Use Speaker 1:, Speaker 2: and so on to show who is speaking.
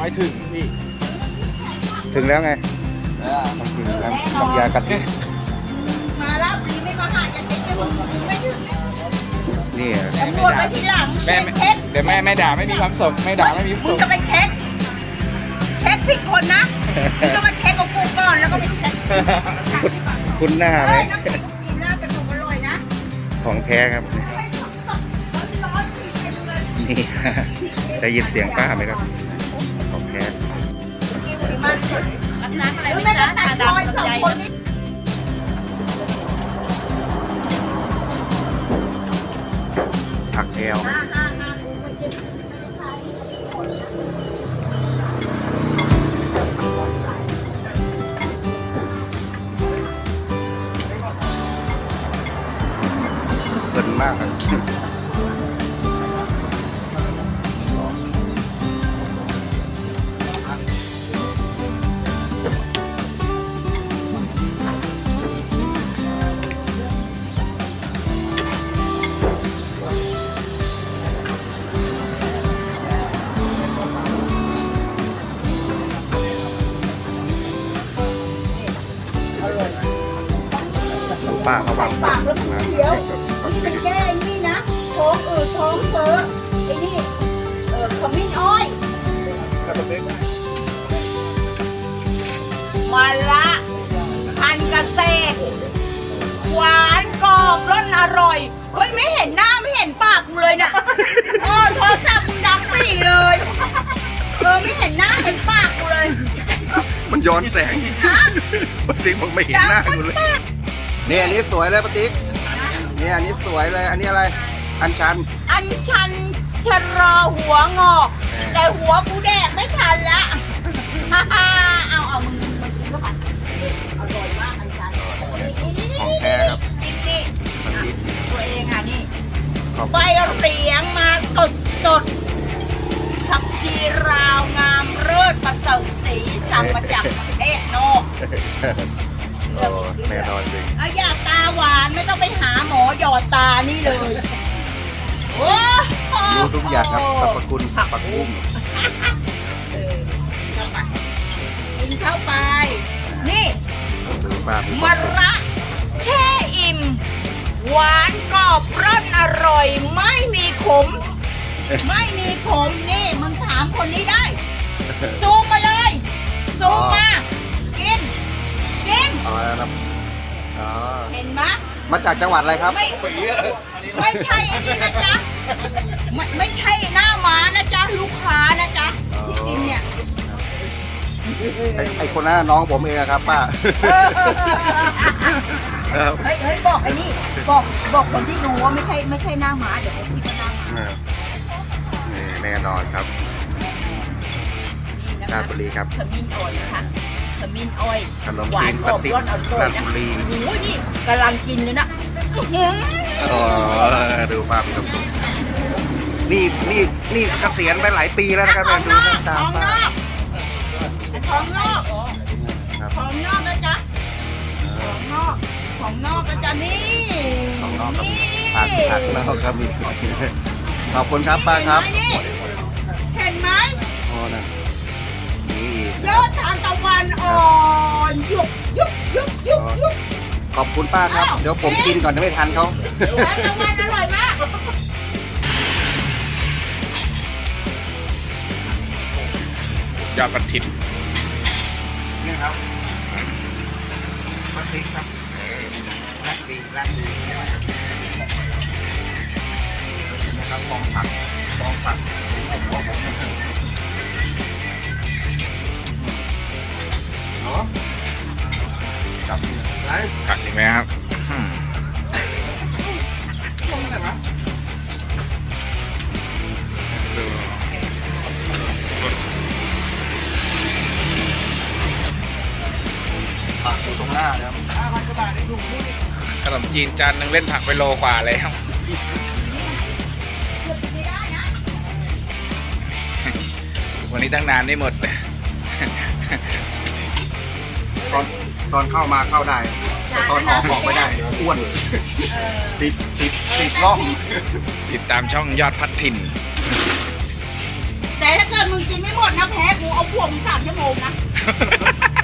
Speaker 1: ไม่ถึงพี่
Speaker 2: ถึงแล้วไงต้องกินน้ำยากะทิ
Speaker 3: มาแล้วปีไม่มาหาจะเช็คจะมึงไม่ถึง
Speaker 2: นี่
Speaker 3: ตำรวจไปทีหลัง
Speaker 1: แม่
Speaker 3: เช็ค
Speaker 1: เดี๋ยวแม่ด่าไม่มีความสุขแม่ด่าไม่มีความ
Speaker 3: มึ
Speaker 1: สุ
Speaker 3: ง
Speaker 1: ข
Speaker 3: จะไปเช็คผิดคนนะมึงจะมาเช็คกับกูก่อนแล้วก็ไปเช็ค
Speaker 2: คุณหน้าไหม
Speaker 3: น้ำพริกกินแล้วกระดูกอร่อยนะ
Speaker 2: ของแท้ครับ
Speaker 3: ร้อนๆกินเองเลย
Speaker 2: นี่ ได้ยินเสียงป้าไหมครับ ของแท้
Speaker 3: กินสิมันสด
Speaker 4: น้ำอะไร
Speaker 3: แล้ว
Speaker 4: ไม่
Speaker 3: แม่
Speaker 4: ได้
Speaker 3: ก็ตัด
Speaker 4: ตา
Speaker 3: รอย
Speaker 4: ดำ
Speaker 3: สอง
Speaker 4: ใหญ่
Speaker 3: คนนี้
Speaker 2: ผักแก้ว
Speaker 3: ฮ่าฮ่าฮ่า
Speaker 2: เพลินมากครับป้าเขาวาง
Speaker 3: ปากแล้วมันเขียวนี่เป็นแก้ไอ้นี่นะท้องอืดท้องเฟ้อไอ้นี่ขมิ้นอ้อยมาละพันเกษตรหวานกรอบรสอร่อยเฮ้ยไม่เห็นหน้าไม่เห็นปากกูเลยน่ะโทรศัพท์มึงดังปี่เลยไม่เห็นหน้าเห็นปากกูเลย
Speaker 2: มันย้อนแสงปาติ๊กมันไม่เห็นหน้ากูเลยนี่อันนี้สวยเลยปาติ๊กนี่อันนี้สวยเลย อันนี้อะไร อันชัน
Speaker 3: อันชันชะรอหัวงอก แต่หัวกูแดกไม่ทันละฮ่าฮ่าเอามึงกินเข้าไปอร่อยมากอันชัน
Speaker 2: ของแท้ครับ
Speaker 3: นี่
Speaker 2: มันดี
Speaker 3: ตัวเองอ่ะนี่
Speaker 2: ขอบ
Speaker 3: ใบเหรียงมาสดผักชีราวงามเลิศประเสริฐสีสั่งมาจากประเทศนอกเชื่อ
Speaker 2: โอ้
Speaker 3: ไม่
Speaker 2: แน่
Speaker 3: เชื่
Speaker 2: น
Speaker 3: อ
Speaker 2: อนจริง
Speaker 3: อยากตาหวานไม่ต้องไปหาหมอหยอดตานี่เลยโอ้โห
Speaker 2: รู้ทุกอย่างครับสรรพคุณผักบุ้ง
Speaker 3: กินเข้าไป นี่
Speaker 2: ดูป้าดู
Speaker 3: มะระแช่อิ่ม หวานกรอบร่อนอร่อย ไม่มีขม ไม่มีขมนี่มึงถามคนนี้ได้ ซูมมาเลย ซูมมา กิน กิน
Speaker 2: เอาแล้วครับอ๋อ
Speaker 3: เห็นไหม
Speaker 2: มาจากจังหวัดอะไรครับ
Speaker 3: ไม่ใช่อันนี้นะจ๊ะไม่ใช่หน้าม้านะจ๊ะ ลูกค้านะจ๊ะ ที่กินเนี่ย
Speaker 2: ไอคนนั้นน้องผมเองอะครับป้าครับ
Speaker 3: เฮ้ยบอกไอ้นี่บอกคนที่ดูว่าไม่ใช่หน้าม้าเดี๋ยวเขาคิดว่าหน้าม้า
Speaker 2: นี่แน่นอนครับ
Speaker 3: นี่นะ
Speaker 2: รา
Speaker 3: คะ
Speaker 2: ชบุรีครับ
Speaker 3: ขมิ้นอ้อยนะคะขมิ้นอ้อย
Speaker 2: ขนม
Speaker 3: หวา
Speaker 2: จี
Speaker 3: น
Speaker 2: น
Speaker 3: กรอบ
Speaker 2: ปะติ๊ก
Speaker 3: ร่อนอร่อย
Speaker 2: ราช
Speaker 3: นะ
Speaker 2: บุรี
Speaker 3: โอ้ยนี่กำลังกินเลยนะอื้อหือ
Speaker 2: อ๋อดูป้ามีความสุขนี่เกษียณไปหลายปีแล้วนะครับ
Speaker 3: ท้อง
Speaker 2: ดู
Speaker 3: นอก
Speaker 2: ตา
Speaker 3: ท้
Speaker 2: ม
Speaker 3: องน
Speaker 2: ป้า
Speaker 3: อกท้องนอก
Speaker 2: ครับ
Speaker 3: ท้องนอกนะจ๊ะท้องนอกท้องนอกนะจ๊ะนี่
Speaker 2: ของนอกครับ
Speaker 3: นี่
Speaker 2: ผักนอกครับมีขอบคุณครับป้าครับ
Speaker 3: เห็นไหม
Speaker 2: โอ้นะนี่
Speaker 3: ยอดทานตะวันอ่อนยุบยุบยุบยุบยุบ
Speaker 2: ขอบคุณป้าครับ เดี๋ยวผมกินก่อนจะไม่ทันเขา
Speaker 3: ทานตะวันอร่อยมาก
Speaker 1: ยอดกระถิ่น
Speaker 2: นี่ครับปาติ๊กครับรักดีนะครับกองผักเนาะกับไร
Speaker 1: ผักอีกไหมครับดู
Speaker 2: ผักอยู่ตรงหน้านะครับ
Speaker 1: ขนมจีนจานหนึ่งเล่นผักไปโลกว่าแล้ว
Speaker 3: ไม่ได้นะ
Speaker 1: วันนี้ตั้งนานไม่หมด
Speaker 2: ตอนเข้ามาเข้าได้แต่ตอนออกไม่ได้อ้วนติดร่อง
Speaker 1: ติดตามช่องยอดพัดถิ่น
Speaker 3: แต่ถ้าเกิดกิดมึงกินไม่หมดนะแพ้กูเอาพวกมึง3 ชั่วโมงนะ